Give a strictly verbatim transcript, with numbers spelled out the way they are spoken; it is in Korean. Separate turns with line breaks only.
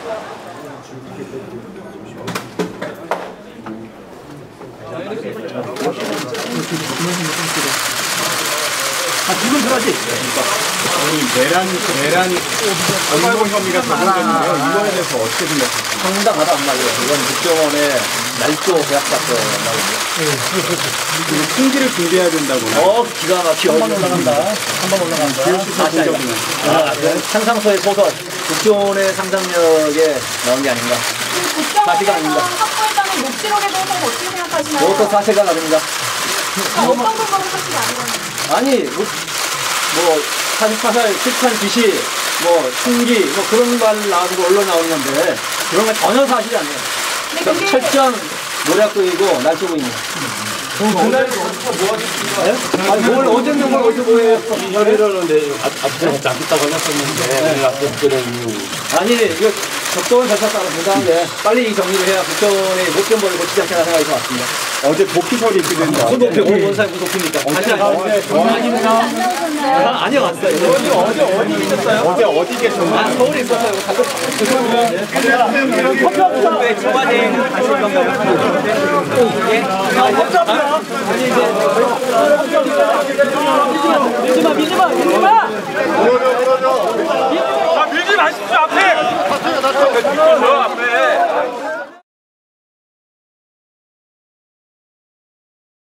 아, 지금 들어가지?
아니, 내란이, 내란이, 엄발고 혐의가 적용됐는데요. 이거에 대해서 어떻게 생각하세요?
상당하다 안 말이에요. 이건 국정원의 날조 계약 사건 말이에요.
그리고 총기를 준비해야 된다고요.
어, 기가 막히게. 한 번 올라간다. 한 번 올라간다. 다시 아니다. 아, 상상소의 소설. 국정원의 상상력에 나온 게 아닌가. 사실가 아닙니다.
확보했다는 녹취록에 대해서 어떻게 생각하시나요?
그것도 사실가 아닙니다.
어떤 부분은 사실이 아니거든요.
아니, 뭐, 뭐 사십사 살 실탄 지시, 뭐, 총기, 뭐 그런 말 나오고 언론 나오는 건데, 그런 건 전혀 사실이 아니에요.
네,
그러니까 철저한 모략도이고 날조고입니다.
그럼 그날 뭐 하셨습니까?
아니, 뭘 어제 뭘 어디서 뭐예요?
이 혈의로는 내 앞에서 잡겠다고 하셨었는데 앞에서 그런 이유.
아니, 이거 적도를 절차 따라 분당한데 빨리 이 정리를 해야 국정원의 못된 벌을 고치지 않겠나 생각이 왔습니다.
어제 도피설이 있던데.
무슨 도피, 오늘 원사에 무슨 도피입니까? 다시 아니요. 아닙니다. 아니요, 왔어요.
어제, 어제 어디 계셨어요?
어제 어디 계셨나요?
아, 서울에 있었어요. 커피 없어. 왜 청와대에는 가실 건가요? 예? 아,